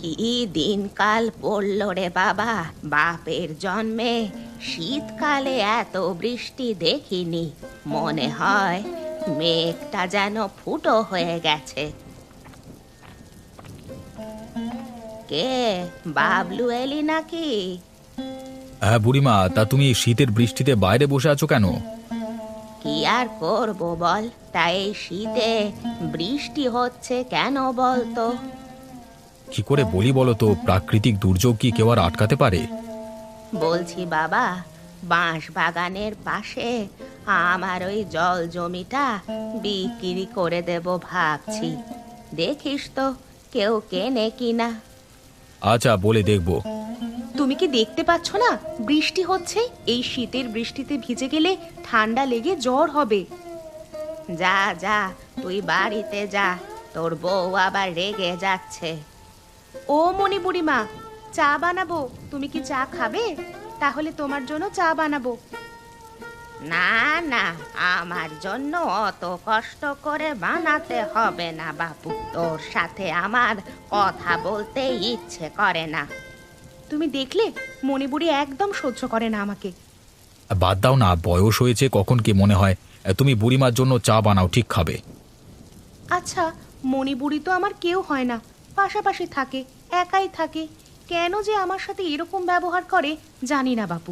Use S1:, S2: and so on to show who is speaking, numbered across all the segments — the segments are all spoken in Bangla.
S1: কি দিনকাল পড়ল রে বাবা, বাপের জন্মে শীতকালে এত বৃষ্টি দেখিনি। মনে হয় মেঘটা যেন ফুটো হয়ে গেছে। কে, বাবলু এলি নাকি?
S2: হ্যাঁ বুড়িমা, তা তুমি এই শীতের বৃষ্টিতে বাইরে বসে আছো কেন?
S1: কি আর করব বল, তাই এই শীতে বৃষ্টি হচ্ছে কেন বলতো?
S2: কি করে বলি বলো তো, প্রাকৃতিক দুর্যোগ কি কেউ আর আটকাতে পারে?
S1: বলছি বাবা, বাঁশ বাগানের পাশে আমার ওই জল জমিটা বিক্রি করে দেব ভাবছি। দেখিস তো কেউ কেনে কিনা।
S2: আচ্ছা, বলে দেখবো।
S1: তুমি কি দেখতে পাচ্ছ না বৃষ্টি হচ্ছে? এই শীতের বৃষ্টিতে ভিজে গেলে ঠান্ডা লেগে জ্বর হবে। যা যা, তুই বাড়িতে যা, তোর বউ আবার রেগে যাচ্ছে। ও মনি বুড়িমা, চা বানাবো, তুমি কি চা খাবে? তাহলে তোমার জন্য চা বানাবো। না না, আমার জন্য অত কষ্ট করে বানাতে হবে না বাপু, তোর সাথে আমার কথা বলতে ইচ্ছে করে না। তুমি দেখলে মণিবুড়ি একদম সহ্য করে না আমাকে।
S2: বাদ দাও না, বয়স হয়েছে, কখন কি মনে হয়। তুমি বুড়িমার জন্য চা বানাও, ঠিক খাবে।
S1: আচ্ছা, মণিবুড়ি তো আমার কেউ হয় না, পাশাপাশি থাকে, একাই থাকে, কেন যে আমার সাথে এরকম ব্যবহার করে জানি না বাপু।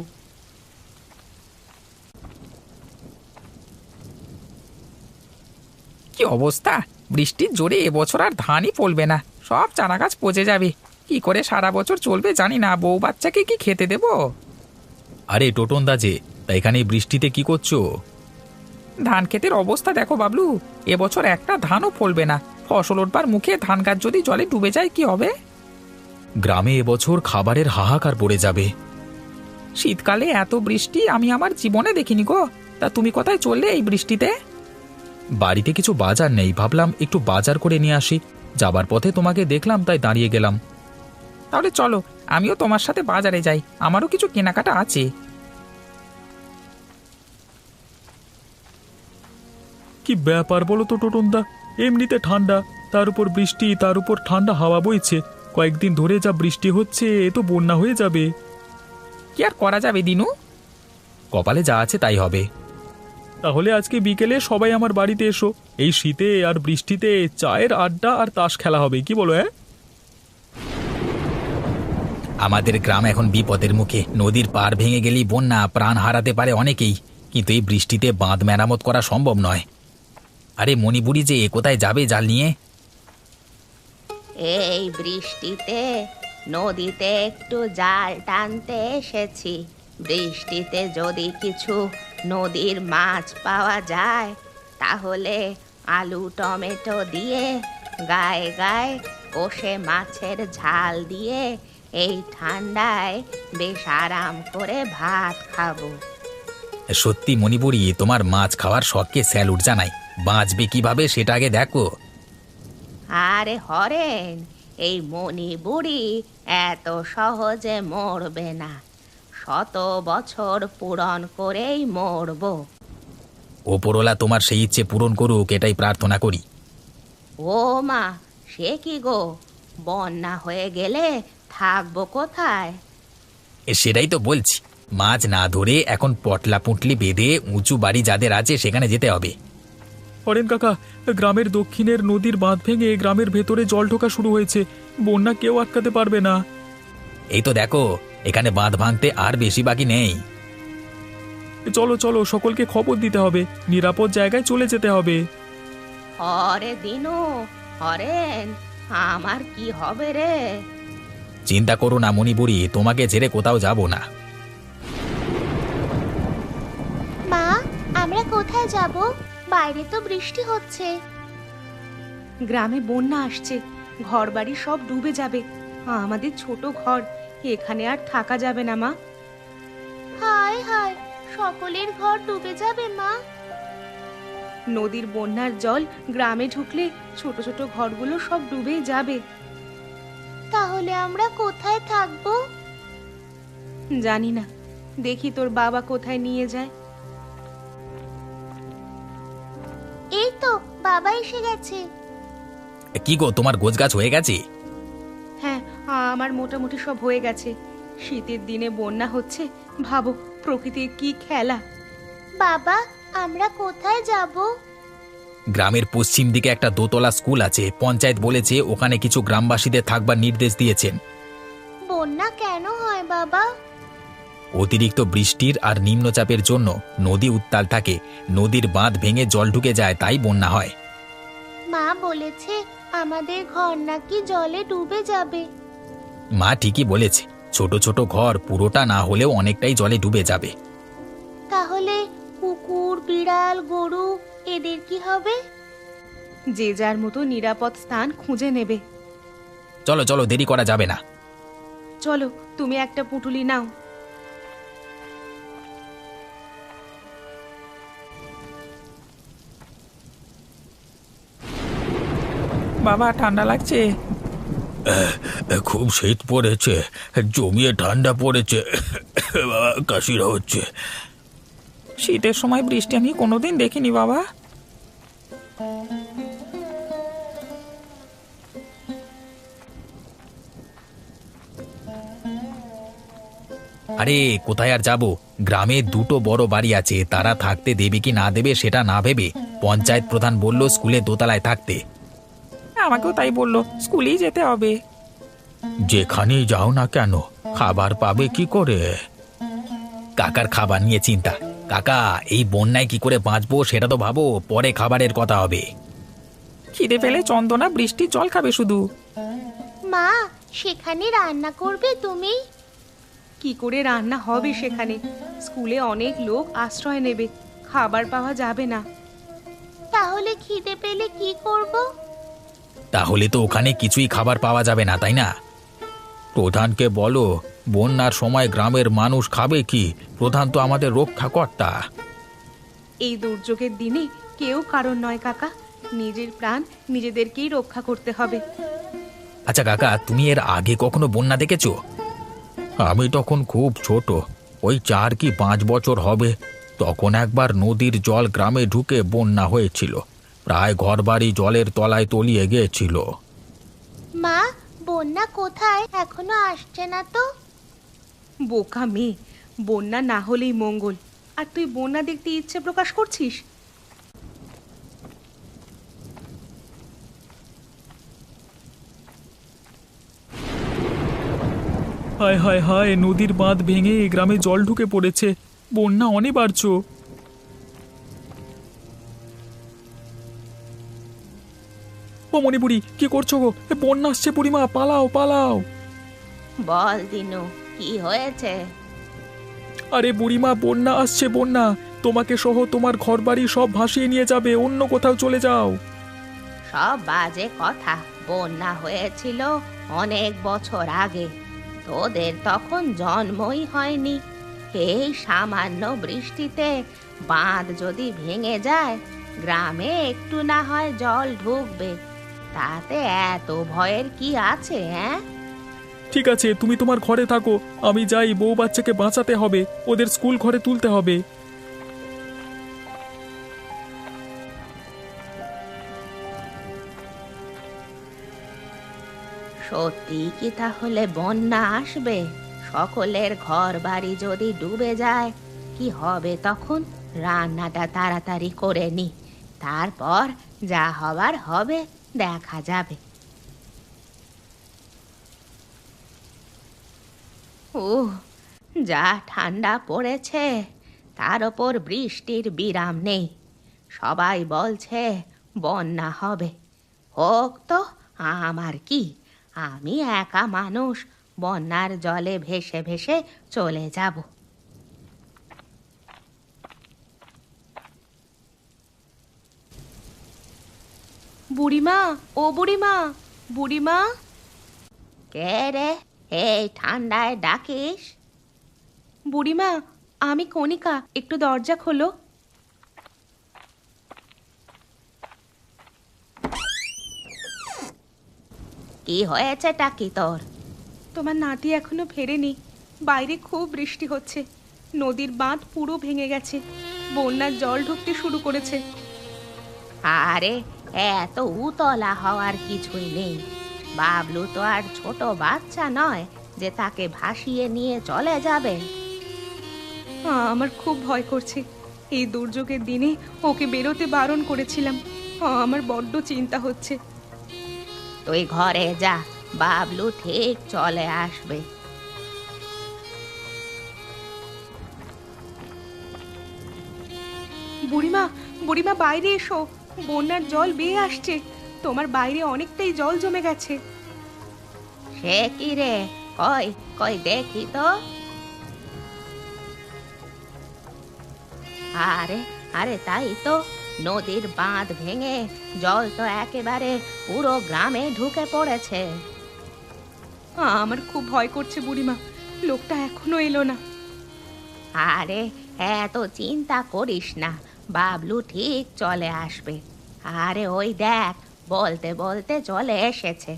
S3: কি অবস্থা! বৃষ্টির জোরে এবছর আর ধানই ফলবে না, সব চারা গাছ পচে যাবে। কি করে সারা বছর চলবে জানি না, বউ বাচ্চাকে কি খেতে দেব?
S2: আরে টোটন দা যে, তা এখানে এই বৃষ্টিতে কি করছো?
S3: ধান ক্ষেতের অবস্থা দেখো বাবলু, এবছর একটা ধানও ফলবে না। ফসল ওঠবার মুখে ধান গাছ যদি জলে ডুবে যায় কি হবে?
S2: গ্রামে এবছর খাবারের হাহাকার পড়ে যাবে।
S3: শীতকালে এত বৃষ্টি আমি আমার জীবনে দেখিনি গো। তা তুমি কোথায় চললে এই বৃষ্টিতে?
S2: বাড়িতে কিছু বাজার নেই, ভাবলাম একটু বাজার করে নিয়ে আসি। যাবার পথে তোমাকে দেখলাম, তাই দাঁড়িয়ে গেলাম।
S3: তাহলে চলো, আমিও তোমার সাথে বাজারে যাই, আমারও কিছু কেনাকাটা আছে।
S2: কি ব্যাপার বলো তো টোটন দা, এমনিতে ঠান্ডা, তার উপর বৃষ্টি, তার উপর ঠান্ডা হাওয়া বইছে। কয়েকদিন ধরে যা বৃষ্টি হচ্ছে, এ তো বন্যা হয়ে যাবে।
S3: কি আর করা যাবে দিনু?
S2: কপালে যা আছে তাই হবে। তাহলে আজকে বিকেলে সবাই আমার বাড়িতে এসো। এই শীতে আর বৃষ্টিতে চায়ের আড্ডা আর তাস খেলা হবে, কি বলো?
S3: আমাদের গ্রাম এখন বিপদের মুখে, নদীর পাড় ভেঙে গেলেই বন্যা, প্রাণ হারাতে পারে অনেকেই। কিন্তু এই বৃষ্টিতে বাঁধ মেরামত করা সম্ভব নয়। আরে মণিপুরি যে কোথায় যাবে জাল নিয়ে?
S1: এই বৃষ্টিতে নদীতে একটু জাল টানতে এসেছি। বৃষ্টিতে যদি কিছু নদীর মাছ পাওয়া যায় তাহলে আলু টমেটো দিয়ে গায়ে গায়ে কষে মাছের ঝাল দিয়ে এই ঠান্ডায় বেশ আরাম করে ভাত খাবো।
S3: সত্যি মণিপুরি, তোমার মাছ খাওয়ার শখকে স্যালুট জানাই। বাঁচবে কিভাবে সেটা আগে দেখো।
S1: আরে হরেন, এই মণি বুড়ি এত সহজে মরবে না, 100 বছর পূরণ করেই মরবো।
S3: ওপরওয়ালা তোমার সেই ইচ্ছে পূরণ করুক, এটাই প্রার্থনা করি।
S1: ও মা, সে কি গো, বন্যা হয়ে গেলে থাকবো কোথায়?
S3: সেটাই তো বলছি, মাছ না ধরে এখন পটলা পুঁটলি বেঁধে উঁচু বাড়ি যাদের আছে সেখানে যেতে হবে।
S2: হরেন কাকা, গ্রামের দক্ষিণের নদীর বাঁধ ভেঙে গ্রামের ভেতরে জল ঢোকা শুরু হয়েছে। বন্যা কেউ আটকাতে পারবে না।
S3: এই তো দেখো, এখানে বাঁধ ভাঙতে আর বেশি বাকি নেই।
S2: চলো চলো, সকলকে খবর দিতে হবে, নিরাপদ জায়গায় চলে যেতে হবে।
S1: হরে দিনু, হরেন, আমার কি হবে রে?
S3: চিন্তা করো না মণিপুরি, তোমাকে ছেড়ে কোথাও যাব না।
S4: মা, আমরা কোথায় যাব? বাইরে তো বৃষ্টি হচ্ছে।
S1: গ্রামে বন্যা আসছে, ঘরবাড়ি সব ডুবে যাবে। আমাদের ছোট ঘর, এখানে আর থাকা যাবে না মা।
S4: হায় হায়, সকলের ঘর ডুবে যাবে মা।
S1: নদীর বন্যার জল গ্রামে ঢুকলে ছোট ছোট ঘরগুলো সব ডুবেই যাবে।
S4: তাহলে আমরা কোথায় থাকবো?
S1: জানি না, দেখি তোর বাবা কোথায় নিয়ে যায়।
S4: এই তো বাবা এসে গেছে।
S3: কি গো, তোমার গোছগাছ হয়ে গেছে?
S1: হ্যাঁ, আমার মোটামুটি সব হয়ে গেছে। শীতের দিনে বন্যা হচ্ছে, ভাবো প্রকৃতির কি খেলা।
S4: বাবা, আমরা কোথায় যাব?
S3: গ্রামের পশ্চিম দিকে একটা দোতলা স্কুল আছে, পঞ্চায়েত বলেছে ওখানে কিছু গ্রামবাসীদের থাকবার নির্দেশ দিয়েছেন।
S4: বন্যা কেন হয় বাবা?
S3: অতিরিক্ত বৃষ্টির আর নিম্নচাপের জন্য নদী উত্তাল থাকে, নদীর বাঁধ ভেঙে জল ঢুকে যায়, তাই বন্যা হয়।
S4: মা বলেছে আমাদের ঘর নাকি জলে ডুবে যাবে।
S3: মা ঠিকই বলেছে, ছোট ছোট ঘর পুরোটা না হলেও অনেকটাই জলে ডুবে যাবে।
S4: তাহলে কুকুর, বিড়াল, গরু এদের কি হবে?
S1: যে যার মতো নিরাপদ স্থান খুঁজে নেবে।
S3: চলো চলো, দেরি করা যাবে না।
S1: চলো, তুমি একটা পুঁটুলি নাও।
S5: বাবা, ঠান্ডা লাগছে।
S3: খুব শীত পড়েছে, জমিয়ে ঠান্ডা পড়েছে, কাশিরা হচ্ছে।
S5: শীতের সময় বৃষ্টি আমি কোনোদিন দেখিনি বাবা।
S3: আরে কোথায় আর যাব, গ্রামে দুটো বড় বাড়ি আছে, তারা থাকতে দেবে কি না দেবে সেটা না ভেবে পঞ্চায়েত প্রধান বলল স্কুলে দোতলায় থাকতে।
S5: আমাকেও তাই বললো, স্কুলেই যেতে হবে।
S3: যেখানেই যাও না কেন, খাবার পাবে কি করে? কাকার খাবার নিয়ে চিন্তা। কাকা, এই বন্যায় কি করে বাঁচবো সেটা তো ভাবো, পরে খাবারের কথা হবে।
S5: খিদে পেলে চন্দনা বৃষ্টির জল খাবে শুধু।
S4: মা, সেখানে রান্না করবে তুমি?
S1: কি করে রান্না হবে সেখানে? স্কুলে অনেক লোক আশ্রয় নেবে, খাবার পাওয়া যাবে না।
S4: তাহলে খিদে পেলে কি করব?
S3: তাহলে তো ওখানে কিছুই খাবার পাওয়া যাবে না, তাই না? প্রধানকে বলো, বন্যার সময় গ্রামের মানুষ খাবে কি? প্রধান তো আমাদের রক্ষাকর্তা।
S1: এই দুর্যোগের দিনে কেউ কারণ নয় কাকা, নিজের প্রাণ নিজেদেরকেই রক্ষা করতে হবে।
S3: আচ্ছা কাকা, তুমি এর আগে কখনো বন্যা দেখেছো? আমি তখন খুব ছোট, ওই 4 কি 5 বছর হবে। তখন একবার নদীর জল গ্রামে ঢুকে বন্যা হয়েছিল, প্রায় ঘরবাড়ি জলের তলায় তলিয়ে গিয়েছিল।
S4: মা, বন্যা কোথায়? এখনো আসছে না তো।
S1: বোকা মেয়ে, বন্যা না হলেই মঙ্গল, আর তুই বন্যা দেখতে ইচ্ছে প্রকাশ করছিস?
S2: হায় হায় হায়, নদীর বাঁধ ভেঙে গ্রামে জল ঢুকে পড়েছে, বন্যা অনিবার্য। ও মণিপুরি, কি করছো গো? বন্যা আসছে বুড়িমা, পালাও পালাও।
S1: বল দিনু, কি হয়েছে?
S2: আরে বুড়িমা, বন্যা আসছে, বন্যা তোমাকে সহ তোমার ঘরবাড়ি সব ভাসিয়ে নিয়ে যাবে, অন্য কোথাও চলে যাও।
S1: সব বাজে কথা। বন্যা হয়েছিল অনেক বছর আগে, তোদের তখন জন্মই হয়নি। এই সামান্য বৃষ্টিতে বাঁধ যদি ভেঙে যায়, গ্রামে একটু না হয় জল ঢুকবে, তাতে এত ভয়ের কি আছে? হ্যাঁ,
S2: ঠিক আছে, তুমি তোমার ঘরে থাকো, আমি যাই, বউ বাচ্চাকে বাঁচাতে হবে, ওদের স্কুল ঘরে তুলতে হবে।
S1: সত্যি কি তাহলে বন্যা আসবে? সকলের ঘর বাড়ি যদি ডুবে যায়, কি হবে তখন? রান্নাটা তাড়াতাড়ি করে নি, তারপর যা হবার হবে, দেখা যাবে। ও, যা ঠান্ডা পড়েছে, তার ওপর বৃষ্টির বিরাম নেই। সবাই বলছে বন্যা হবে। হোক তো, আমার কি? আমি একা মানুষ, বন্যার জলে ভেসে ভেসে চলে যাব। বুড়িমা, ও বুড়িমা, বুড়িমা। কে রে, এই ঠান্ডায় ডাকিস? বুড়িমা, আমি কণিকা, একটু দরজা খোলো। কি হয়েছে টাকি তোর? তোমার নাতি এখনো ফেরেনি, বাইরে খুব বৃষ্টি হচ্ছে, নদীর বাঁধ পুরো ভেঙে গেছে, বন্যার জল ঢুকতে শুরু করেছে। আরে, এত উতলা হওয়ার কিছুই নেই, বাবলু তো আর ছোট বাচ্চা নয় যে তাকে ভাসিয়ে নিয়ে চলে যাবে। আমার খুব ভয় করছে। এই দুর্যোগের দিনে ওকে বেরোতে বারণ করেছিলাম। আমার বড্ড চিন্তা হচ্ছে। তুই ঘরে যা, বাবলু ঠিক চলে আসবে। বুড়িমা, বুড়িমা বাইরে এসো, বন্যার জল বেয়ে আসছে। তোমার বাইরে অনেকটাই জল জমে গেছে। সে কি রে, কই কই দেখি তো। আরে আরে তাই তো, নদীর বাঁধ ভেঙে জল তো একেবারে পুরো গ্রামে ঢুকে পড়েছে। আমার খুব ভয় করছে বুড়িমা, লোকটা এখনো এলো না। আরে এত চিন্তা করিস না, বাবলু ঠিক চলে আসবে। আরে ওই দেখ, বলতে বলতে চলে এসেছে।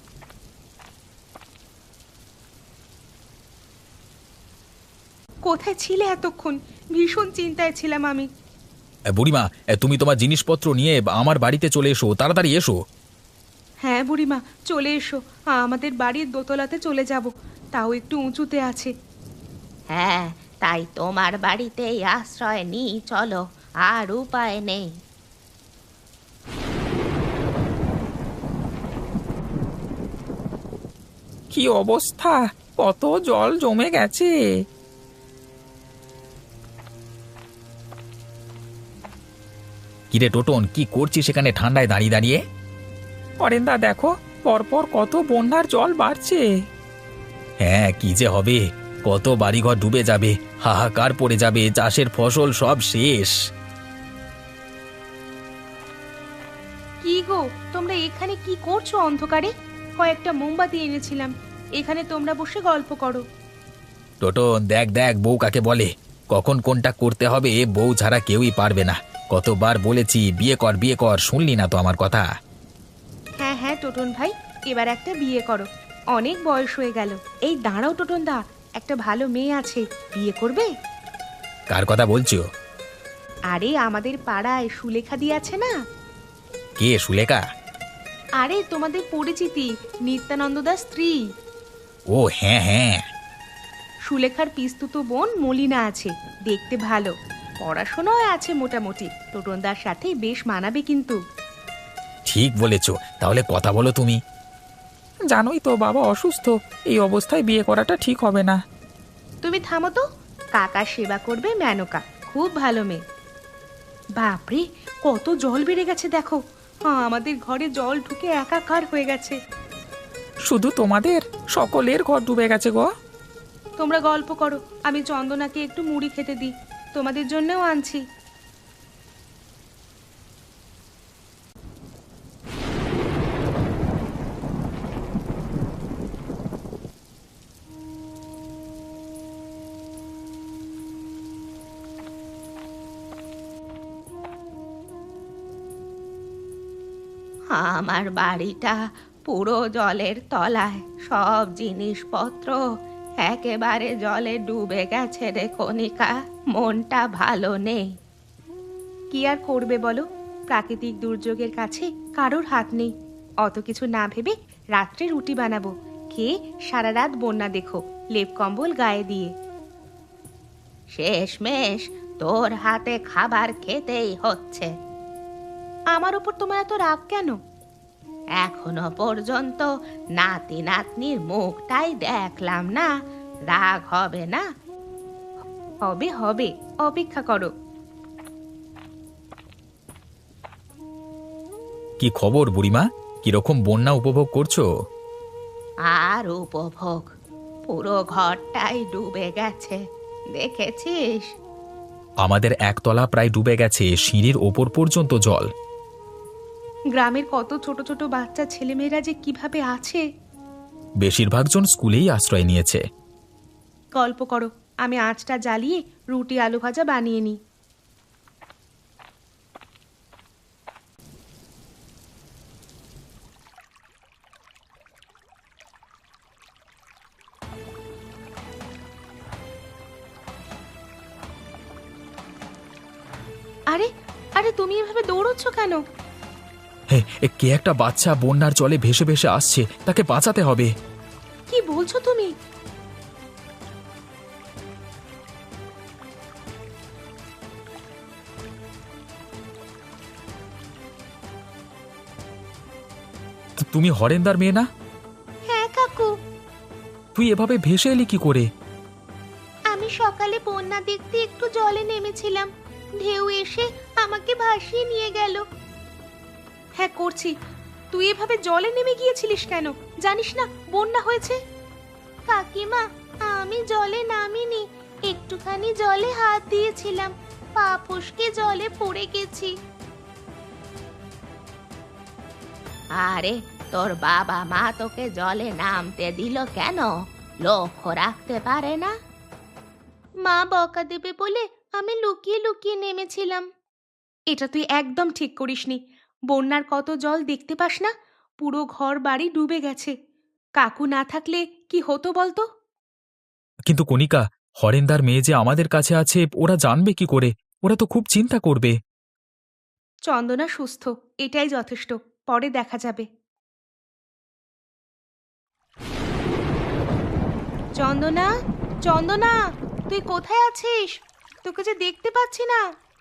S1: কোথায় ছিলে এতক্ষণ? ভীষণ চিন্তায় ছিলাম আমি।
S3: বুড়িমা, তুমি তোমার জিনিসপত্র নিয়ে আমার বাড়িতে চলে এসো, তাড়াতাড়ি এসো।
S1: হ্যাঁ বুড়িমা, চলে এসো। আমাদের বাড়ির দোতলাতে চলে যাব, তাও একটু উঁচুতে আছে। হ্যাঁ, তাই তোমার বাড়িতেই আশ্রয় নিই চলো, আর উপায় নেই।
S5: কি অবস্থা, কত জল জমে গেছে।
S3: কিরে টোটন, কি করছিস সেখানে ঠান্ডায় দাঁড়িয়ে দাঁড়িয়ে?
S5: অরেন্দা দেখো, পরপর কত বন্যার জল বাড়ছে।
S3: হ্যাঁ, কি যে হবে, কত বাড়িঘর ডুবে যাবে, হাহাকার পড়ে যাবে, চাষের ফসল সব শেষ।
S1: কি গো, তোমরা এখানে কি করছো অন্ধকারে? কয়েকটা মোমবাতি এনেছিলাম, এখানে তোমরা বসে গল্প করো।
S3: টোটন দেখ দেখ, বউ কাকে বলে, কখন কোনটা করতে হবে বউ ছাড়া কেউই পারবে না। কতবার বলেছি বিয়ে কর বিয়ে কর, শুনলি না তো আমার কথা।
S1: হ্যাঁ হ্যাঁ টোটন ভাই, এবার একটা বিয়ে করো, অনেক বয়স হয়ে গেল। এই দাঁড়াও টোটন দা, একটা ভালো মেয়ে আছে, বিয়ে করবে?
S3: কার কথা বলছো?
S1: আরে আমাদের পাড়ায় সুলেখা দি আছে না?
S3: কে সুলেখা?
S1: আরে তোমাদের পরিচিতি, নিত্যানন্দ দাস স্ত্রী।
S3: ও হ্যাঁ হ্যাঁ।
S1: সুলেখার পিস্তুতো বোন মলিনা আছে, দেখতে ভালো, পড়াশোনাও আছে মোটামুটি। টোটনদার সাথে বেশ মানাবে কিন্তু।
S3: ঠিক বলেছ, তাহলে কথা বলো তুমি।
S5: জানোই তো বাবা অসুস্থ, এই অবস্থায় বিয়ে করাটা ঠিক হবে না।
S1: তুমি থামো তো, কাকার সেবা করবে মেনকা, খুব ভালো মেয়ে। বাপরে, কত জল বেড়ে গেছে দেখো। আমাদের ঘরে জল ঢুকে একাকার হয়ে গেছে।
S5: শুধু তোমাদের, সকলের ঘর ডুবে গেছে গো।
S1: তোমরা গল্প করো, আমি চন্দনাকে একটু মুড়ি খেতে দিই, তোমাদের জন্যও আনছি। আমার বাড়িটা পুরো জলের তলায়, সব জিনিসপত্র একেবারে জলে ডুবে গেছে রে কণিকা, মনটা ভালো নেই। কি আর করবে বলো, প্রাকৃতিক দুর্যোগের কাছে কারোর হাত নেই। অত কিছু না ভেবে রাত্রে রুটি বানাবো, খেয়ে সারা রাত বন্যা দেখো, লেপ কম্বল গায়ে দিয়ে। শেষমেশ তোর হাতে খাবার খেতেই হচ্ছে। আমার উপর তোমার এত রাগ কেন? এখনো পর্যন্ত নাতি নাতনির মুখটাই দেখলাম না, রাগ হবে না? হবে হবে, অপেক্ষা করো।
S3: কি খবর বুড়িমা, কিরকম বন্যা উপভোগ করছো?
S1: আর উপভোগ, পুরো ঘরটাই ডুবে গেছে, দেখেছিস?
S3: আমাদের একতলা প্রায় ডুবে গেছে, সিঁড়ির ওপর পর্যন্ত জল।
S1: গ্রামের কত ছোট ছোট বাচ্চা ছেলেমেয়েরা যে কিভাবে আছে।
S3: বেশিরভাগ জন স্কুলেই আশ্রয় নিয়েছে।
S1: গল্প করো, আমি আঁচটা জ্বালিয়ে রুটি আলু ভাজা বানিয়ে নিই। আরে আরে, তুমি এভাবে দৌড়চ্ছ কেন?
S2: কে একটা বাচ্চা বন্যার জলে ভেসে ভেসে আসছে, তাকে বাঁচাতে হবে।
S1: কি বলছো তুমি?
S2: তুমি হরেন্দার মেয়ে না?
S4: হ্যাঁ কাকু,
S2: তুই এভাবে ভেসে এলি কি করে?
S4: আমি সকালে বন্যা দেখতে একটু জলে নেমেছিলাম, ঢেউ এসে আমাকে ভাসিয়ে নিয়ে গেল।
S1: হ্যাঁ করছি। তুই এভাবে জলে নেমে গিয়েছিলিস কেন? জানিস না বন্যা হয়েছে?
S4: কাকিমা, আমি জলে নামিনি, একটুখানি জলে হাত দিয়েছিলাম, পা ফসকে জলে পড়ে গেছি।
S1: আরে তোর বাবা মা তোকে জলে নামতে দিল কেন? লক্ষ্য রাখতে পারে না?
S4: মা বকা দেবে বলে আমি লুকিয়ে লুকিয়ে নেমেছিলাম।
S1: এটা তুই একদম ঠিক করিসনি। বন্যার কত জল দেখতে পাস না? পুরো ঘর বাড়ি ডুবে গেছে। কাকু না থাকলে কি হতো বলতো?
S2: কিন্তু কণিকা, হরেন্দার মেয়ে যে আমাদের কাছে আছে ওরা জানবে কি করে? ওরা তো খুব চিন্তা করবে।
S1: চন্দনা সুস্থ, এটাই যথেষ্ট। পরে দেখা যাবে। চন্দনা, চন্দনা, তুই কোথায় আছিস? তোকে যে দেখতে পাচ্ছি না।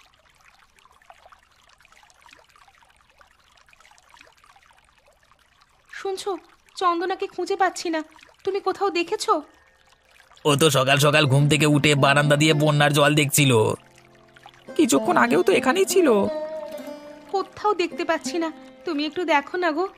S1: শুনছো, চন্দনাকে খুঁজে পাচ্ছি না। তুমি কোথাও দেখেছো?
S3: ও তো সকাল সকাল ঘুম থেকে উঠে বারান্দা দিয়ে বন্যার জল দেখছিল।
S5: কিছুক্ষণ আগেও তো এখানেই ছিল।
S1: কোথাও দেখতে পাচ্ছি না। তুমি একটু দেখো না গো।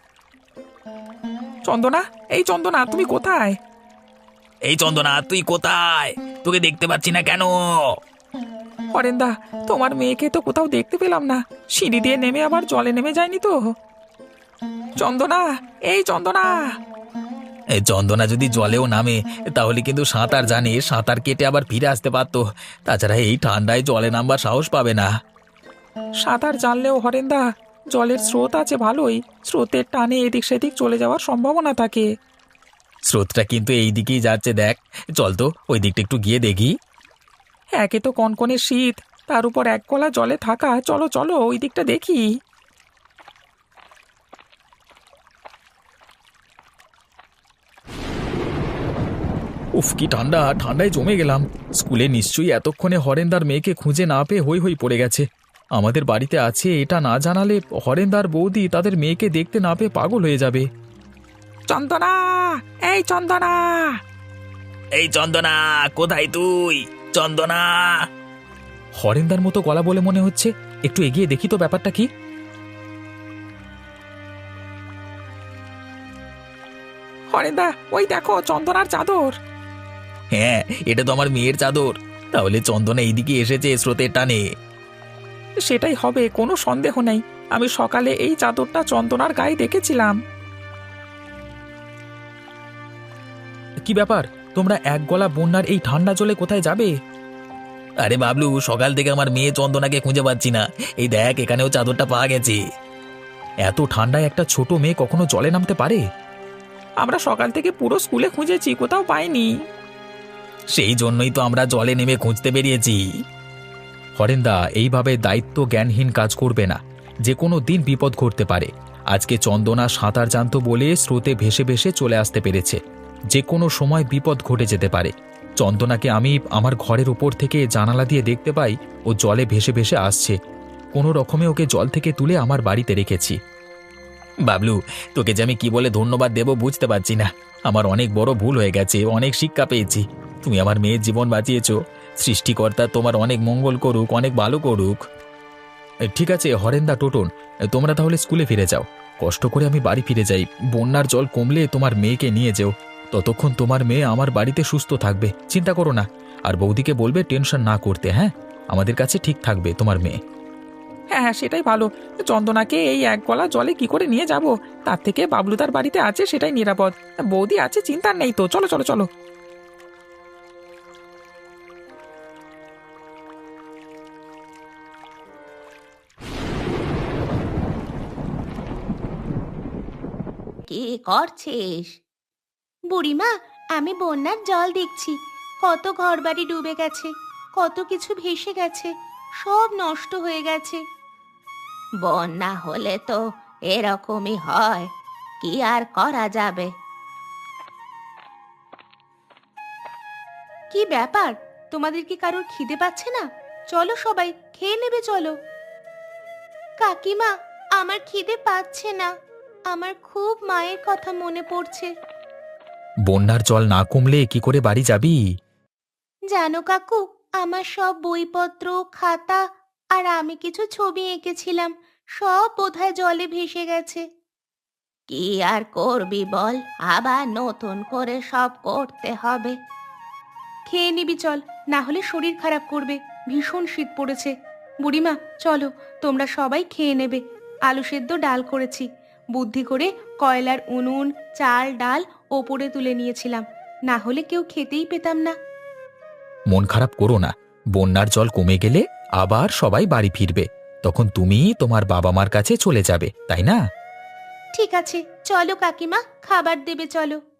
S5: চন্দনা, এই চন্দনা, তুমি কোথায়?
S3: এই চন্দনা, তুই কোথায়? তোকে দেখতে পাচ্ছি না কেন?
S5: হরেন্দা, তোমার মেয়েকে তো কোথাও দেখতে পেলাম না। সিঁড়ি দিয়ে নেমে আবার জলে নেমে যায়নি তো? চন্দনা, এই চন্দনা।
S3: এই চন্দনা যদি জলেও নামে তাহলে কিন্তু সাঁতার জানে, সাঁতার কেটে আবার ফিরে আসতে পারতো। তাছাড়া এই ঠান্ডায় জলে নামবার সাহস পাবে না।
S5: সাঁতার জানলেও হরেন্দা, জলের স্রোত আছে ভালোই, স্রোতের টানে এদিক সেদিক চলে যাওয়ার সম্ভাবনা থাকে।
S3: স্রোতটা কিন্তু এই দিকেই যাচ্ছে, দেখ। চল তো ওই দিকটা একটু গিয়ে দেখি।
S5: একে তো কনকনে শীত, তার উপর এক গলা জলে থাকা। চলো চলো ওই দিকটা দেখি।
S2: উফ, কি ঠান্ডা! ঠান্ডায় জমে গেলাম। স্কুলে নিশ্চয়ই এতক্ষণে হরেন্দার মেয়েকে খুঁজে না পেয়ে হই হই পড়ে গেছে। আমাদের বাড়িতে আছে এটা না জানালে হরেন্দার বৌদি তাদের মেয়েকে দেখতে না পেয়ে পাগল হয়ে যাবে।
S5: চন্দনা, এই চন্দনা।
S3: এই চন্দনা, কোথায় তুই? চন্দনা!
S2: হরেন্দার মতো গলা বলে মনে হচ্ছে। একটু এগিয়ে দেখি তো ব্যাপারটা কি।
S5: হরেন্দা, ওই দেখো চন্দনার চাদর।
S3: হ্যাঁ, এটা তো আমার মেয়ের চাদর। তাহলে চন্দনা এইদিকে এসেছে স্রোতের টানে।
S5: সেটাই হবে, কোনো সন্দেহ নেই। আমি সকালে এই চাদরটা চন্দনার গায়ে দেখেছিলাম।
S2: কি ব্যাপার? তোমরা এক গলা বন্যার এই ঠান্ডা জলে কোথায় যাবে?
S3: আরে বাবলু, সকাল থেকে আমার মেয়ে চন্দনাকে খুঁজে পাচ্ছি না। এই দেখ, এখানেও চাদরটা পাওয়া গেছে।
S2: এত ঠান্ডায় একটা ছোট মেয়ে কখনো জলে নামতে পারে?
S5: আমরা সকাল থেকে পুরো স্কুলে খুঁজেছি, কোথাও পাইনি।
S3: সেই জন্যই তো আমরা জলে নেমে খুঁজতে বেরিয়েছি।
S2: হরেন্দা, এইভাবে দায়িত্ব জ্ঞানহীন কাজ করবে না। যে কোনো দিন বিপদ ঘটতে পারে। আজকে চন্দনা সাঁতার জানতো বলে স্রোতে ভেসে ভেসে চলে আসতে পেরেছে। যে কোনো সময় বিপদ ঘটে যেতে পারে। চন্দনাকে আমি আমার ঘরের উপর থেকে জানালা দিয়ে দেখতে পাই ও জলে ভেসে ভেসে আসছে। কোনো রকমে ওকে জল থেকে তুলে আমার বাড়িতে রেখেছি।
S3: বাবলু, তোকে যে আমি কি বলে ধন্যবাদ দেব বুঝতে পারছি না। আমার অনেক বড় ভুল হয়ে গেছে, অনেক শিক্ষা পেয়েছি। তুমি আমার মেয়ের জীবন বাঁচিয়েছো। সৃষ্টিকর্তা তোমার অনেক মঙ্গল করুক, অনেক ভালো করুক।
S2: ঠিক আছে হরেন্দা, টোটন, তোমরা তাহলে স্কুলে ফিরে যাও। কষ্ট করে আমি বাড়ি ফিরে যাই। বন্যার জল কমলে তোমার মেয়েকে নিয়ে যেও। ততক্ষণ তোমার মেয়ে আমার বাড়িতে সুস্থ থাকবে, চিন্তা করো না। আর বৌদিকে বলবে টেনশন না করতে। হ্যাঁ, আমাদের কাছে ঠিক থাকবে তোমার মেয়ে।
S5: হ্যাঁ হ্যাঁ, সেটাই ভালো। চন্দনাকে এই এক গলা জলে কি করে নিয়ে যাব? তার থেকে বাবলুদার বাড়িতে আছে, সেটাই নিরাপদ। বৌদি আছে, চিন্তার নেই তো। চলো চলো চলো।
S1: কি করছিস?
S4: বুড়িমা, আমি বন্যার জল দেখছি। কত ঘরবাড়ি ডুবে গেছে, কত কিছু ভেসে গেছে, সব নষ্ট হয়ে গেছে।
S1: বন্যা হলে তো এরকমই হয়, কি আর করা যাবে। কি ব্যাপার, তোমাদের কি কারোর খিদে পাচ্ছে না? চলো সবাই খেয়ে নেবে, চলো।
S4: কাকিমা, আমার খিদে পাচ্ছে না, আমার খুব মায়ের কথা মনে পড়ছে।
S2: বন্যার জল না কমলে কি করে বাড়ি যাবি?
S4: জানো কাকু, আমার সব বইপত্র, খাতা আর আমি কিছু ছবি এঁকেছিলাম, সব বোধহয় জলে ভেসে গেছে।
S1: কি আর করবি বল, আবার নতুন করে সব করতে হবে। খেয়ে নিবি চল, না হলে শরীর খারাপ করবে, ভীষণ শীত পড়েছে। বুড়িমা চলো, তোমরা সবাই খেয়ে নেবে। আলু সেদ্ধ ডাল করেছি, বুদ্ধি করে কয়লার উনুন, চাল ডাল ওপরে তুলে নিয়েছিলাম, না হলে কেউ খেতেই পেতাম না।
S2: মন খারাপ করো না, বন্যার জল কমে গেলে আবার সবাই বাড়ি ফিরবে, তখন তুমি তোমার বাবা মার কাছে চলে যাবে, তাই না?
S4: ঠিক আছে, চলো কাকিমা, খাবার দেবে চলো।